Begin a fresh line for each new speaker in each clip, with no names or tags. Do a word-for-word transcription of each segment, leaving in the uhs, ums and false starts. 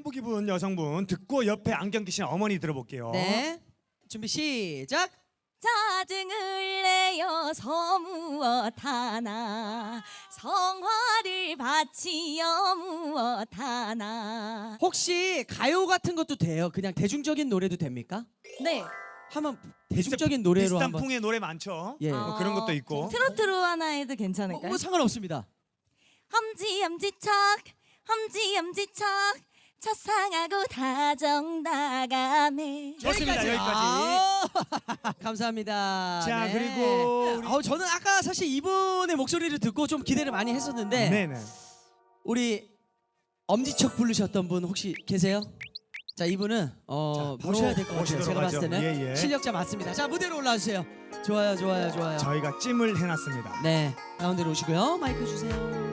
한복 입은 여성분 듣고 옆에 안경 끼신 어머니 들어볼게요.
네, 준비 시작.
짜증을 내어 서무엇 하나 성화를 바치여 무엇 하나.
혹시 가요 같은 것도 돼요? 그냥 대중적인 노래도 됩니까?
네.
한번 대중적인 노래로
비슷한
한번.
풍의 노래 많죠.
예.
뭐 그런 것도 있고.
트로트로 하나 해도
뭐,
괜찮을까요?
뭐 상관없습니다.
험지 엄지척 험지 엄지척 첫상하고 다정 나가네.
좋습니다. 여기까지.
아, 감사합니다.
자,
네.
그리고 우리-
어, 저는 아까 사실 이분의 목소리를 듣고 좀 기대를 많이 했었는데
네네.
우리 엄지척 부르셨던 분 혹시 계세요? 자, 이분은 어,
자, 바로
모셔야 될 것 같아요.
모시도록
제가 봤을
하죠.
때는
예, 예.
실력자 맞습니다. 자, 무대로 올라와주세요. 좋아요, 좋아요, 좋아요.
저희가 찜을 해놨습니다.
네, 가운데로 오시고요. 마이크 주세요.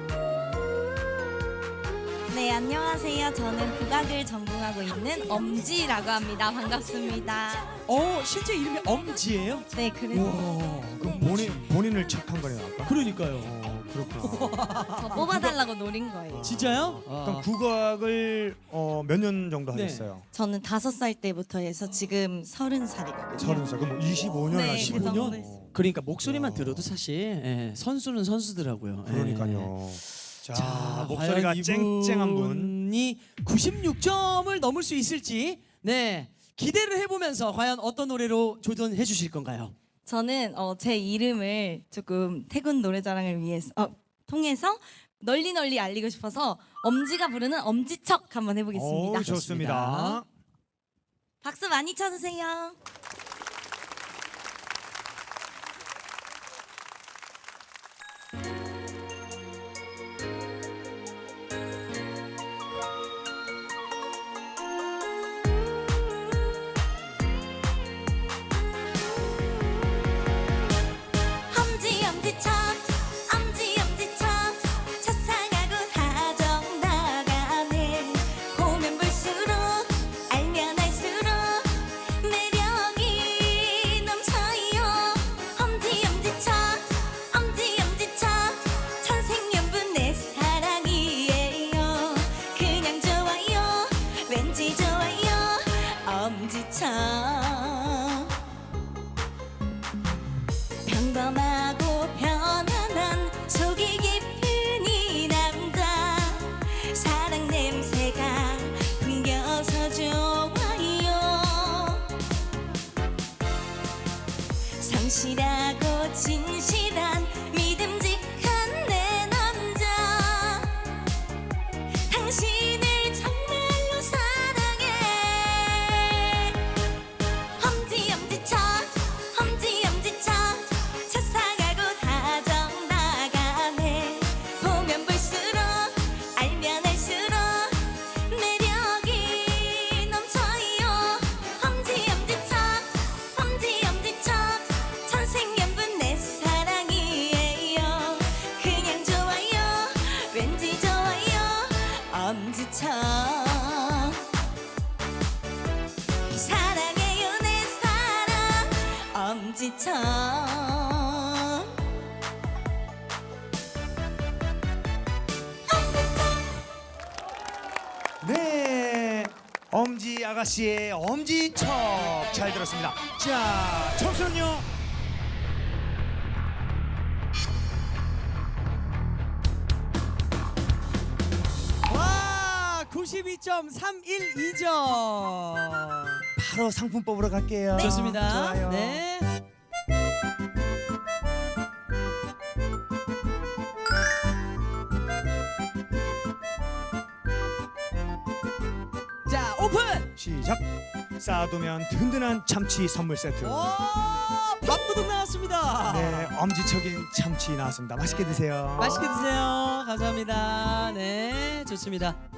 네, 안녕하세요. 저는 국악을 전공하고 있는 엄지라고 합니다. 반갑습니다.
어, 실제 이름이 엄지예요?
네, 그래서
와,
그럼 본인 본인을 착한 거네요, 아까.
그러니까요.
어, 그렇구나.
저 뽑아달라고 노린 거예요.
진짜요?
그럼
아.
국악을 어, 몇 년 정도
네.
하셨어요?
저는 다섯 살 때부터 해서 지금 서른 살이거든요.
서른 살. 그럼 뭐 이십오 년
네,
하시고.
그 정도
년?
했어요.
그러니까 목소리만
와.
들어도 사실 예, 선수는 선수더라고요. 예.
그러니까요. 자,
자,
목소리가
과연
쨍쨍한 분.
이분이 구십육 점을 넘을 수 있을지 네 기대를 해보면서 과연 어떤 노래로 조던해 주실 건가요?
저는 어, 제 이름을 조금 태군 노래자랑을 위해서 어, 통해서 널리 널리 알리고 싶어서 엄지가 부르는 엄지척 한번 해보겠습니다.
오, 좋습니다.
박수 많이 쳐주세요. 엄지 엄지척 엄지 엄지척 첫상하고 다정 나가네. 보면 볼수록 알면 알수록 매력이 넘쳐요. 엄지 엄지척 엄지 엄지척 천생연분 내 사랑이에요. 그냥 좋아요 왠지 좋아요 엄지척. 평범하고 편안한 속이 깊은 이 남자 사랑 냄새가 풍겨서 좋아요. 성실하고 진실한 믿음직한 내 남자 당신을 정말로 사랑해. 엄지 엄지척 엄지 엄지척 첫상하고 다정 나가네. 보면 볼수록 알면 알수록 매력이 넘쳐요. 엄지 엄지척 엄지 엄지척 천생연분 내 사랑이에요. 그냥 좋아요 왠지 좋아요 엄지척. 사랑해요 내 사랑 엄지척.
네, 엄지 아가씨의 엄지척 잘 들었습니다. 자, 점수는요?
와, 구십이 점 삼일이 점.
바로 상품 뽑으러 갈게요.
좋습니다.
좋아요.
네. 자, 오픈.
시작. 쌓아두면 든든한 참치 선물 세트.
와, 밥도둑 나왔습니다.
네, 엄지척인 참치 나왔습니다. 맛있게 드세요.
맛있게 드세요. 감사합니다. 네, 좋습니다.